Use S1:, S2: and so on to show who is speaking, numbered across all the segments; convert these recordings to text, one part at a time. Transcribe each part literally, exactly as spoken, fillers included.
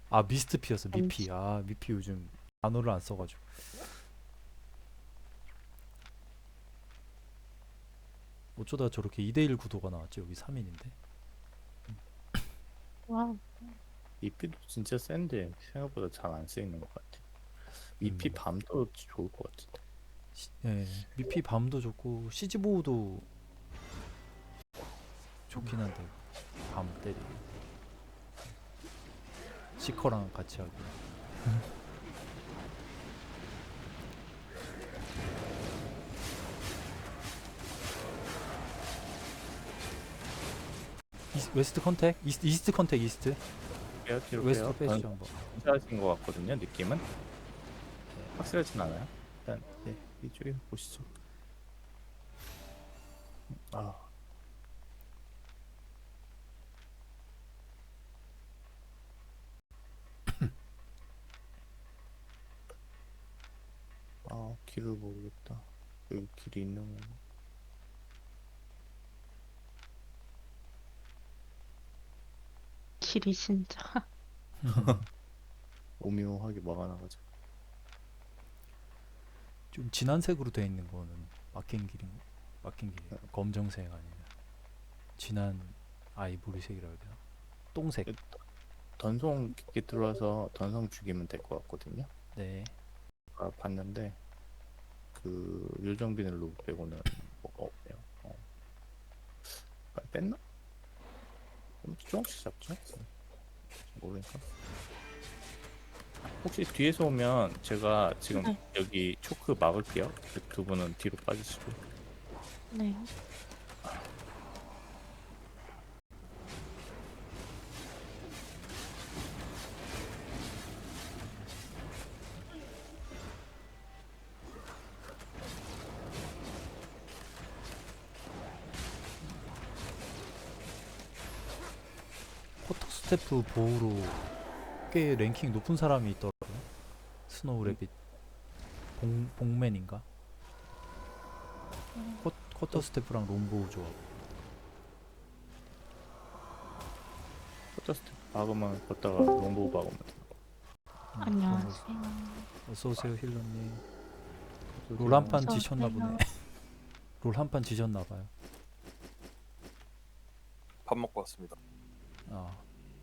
S1: 아 미스트피였어. 미피.
S2: 잠시.
S1: 아 미피 요즘 단어를 안 써가지고. 어쩌다 저렇게 이 대일 구도가 나왔지. 여기 삼 인인데.
S2: 와,
S3: 이피도 진짜 센데 생각보다 잘 안 쓰이는 것 같아. 이피
S1: 음.
S3: 밤도 좋을 것 같은데.
S1: 시, 예, 미피 밤도 좋고 시즈보우도 좋긴 한데 밤 때리기 시커랑 같이 하고. 이스, 웨스트 컨택? 이스트, 이스트 컨택 이스트.
S3: 빼요, 뒤로
S1: 웨스트
S3: 빼요.
S1: 빼시죠 한번.
S3: 괜찮으신 것 같거든요. 느낌은 확실하진 않아요. 일단 네, 이쪽에 보시죠. 아, 아 길을 모르겠다. 여기 길이 있는 건가?
S2: 길이 진짜.
S3: 오묘하게 막아놔가지고.
S1: 좀 진한 색으로 되어 있는 거는 막힌 길인 막힌 길이에요. 검정색 아니면 진한 아이보리색이라 해야 되나? 똥색.
S3: 던성 깊게 들어와서 던성 죽이면 될 것 같거든요.
S1: 네.
S3: 아, 봤는데 그 요정비늘로 빼고는 뭐가 없네요. 어. 아, 뺐나? 좀 조금씩 잡죠? 모르니까. 혹시 뒤에서 오면 제가 지금
S2: 네.
S3: 여기 초크 막을게요. 그 두 분은 뒤로 빠지시고.
S2: 네.
S1: 쿼터 스태프 보우로 꽤 랭킹 높은 사람이 있더라고요. 스노우
S3: 음.
S1: 레빗 봉, 봉맨인가? 쿼, 쿼터 스태프랑 롬보우 조합.
S3: 포터스트 박으면 걷다가 롱보우 박으면 돼요.
S1: 음,
S2: 안녕하세요.
S1: 어서오세요 힐러님. 롤
S3: 그래서
S1: 한 판
S2: 어서
S1: 지셨나 보네.
S2: 오세요.
S1: 롤 한 판 지셨나봐요.
S4: 밥 먹고 왔습니다.
S1: 아,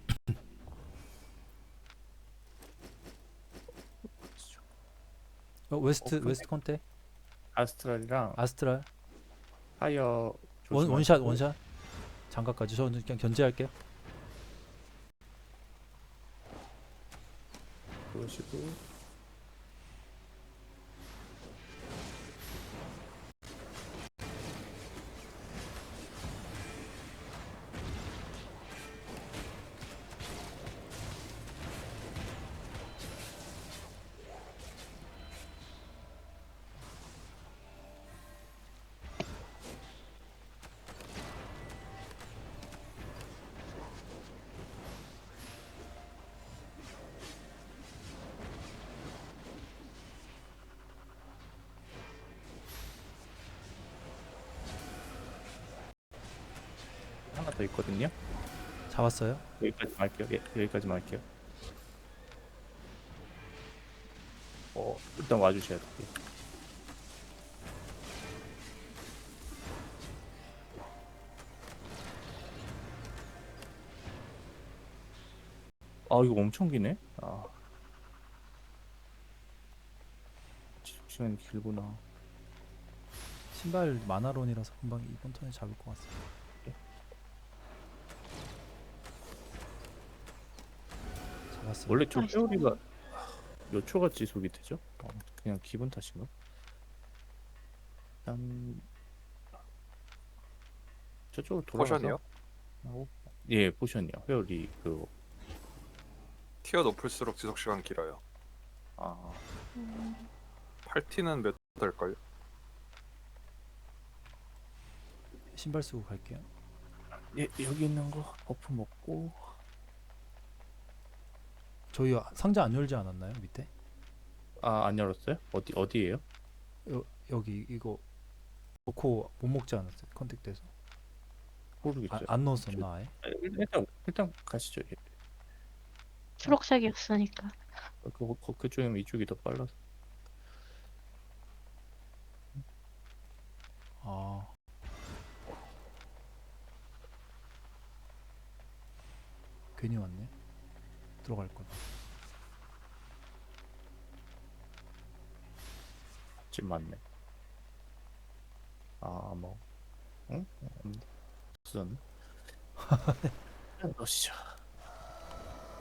S1: 어, 웨스트
S3: 어, 근데
S1: 웨스트 컨테
S3: 아스트랄이랑
S1: 아스트랄
S3: 파이어
S1: 원 원샷
S3: 조심하시고.
S1: 원샷 장갑까지. 저는 그냥 견제할게요.
S3: 그러시고 하나 더 있거든요.
S1: 잡았어요.
S3: 여기까지 할게요. 예, 여기까지만 할게요. 어, 일단 와주셔야 돼요. 아, 이거 엄청 기네. 아, 시- 시간이 길구나.
S1: 신발 마나론이라서 금방 이번 턴에 잡을 것 같습니다. 잡았어요.
S3: 원래 저
S2: 나이스.
S3: 회오리가 몇 초가 지속이 되죠? 어, 그냥 기분 탓인가? 일단 저쪽으로 돌아가서
S4: 포션이요?
S3: 하고. 예, 포션이요. 회오리 그
S4: 티어 높을수록 지속 시간 길어요.
S3: 아,
S2: 음,
S4: 팔 티는 몇 될걸요?
S1: 신발 쓰고 갈게요.
S3: 예, 여기 있는 거 버프 먹고.
S1: 저희 상자 안 열지 않았나요 밑에?
S3: 아, 안 열었어요? 어디 어디예요?
S1: 여, 여기 이거 놓고 못 먹지 않았어요? 컨택돼서. 아,
S3: 모르겠어요.
S1: 안 넣었었나 아예?
S3: 아, 일단 일단 가시죠. 예.
S2: 초록색이었으니까.
S3: 그, 그, 그쪽이면 이쪽이 더 빨라서.
S1: 아 괜히 왔네. 들어갈 거다.
S3: 집 맞네. 아, 뭐. 응? 없네. 없었네. 넣으시죠.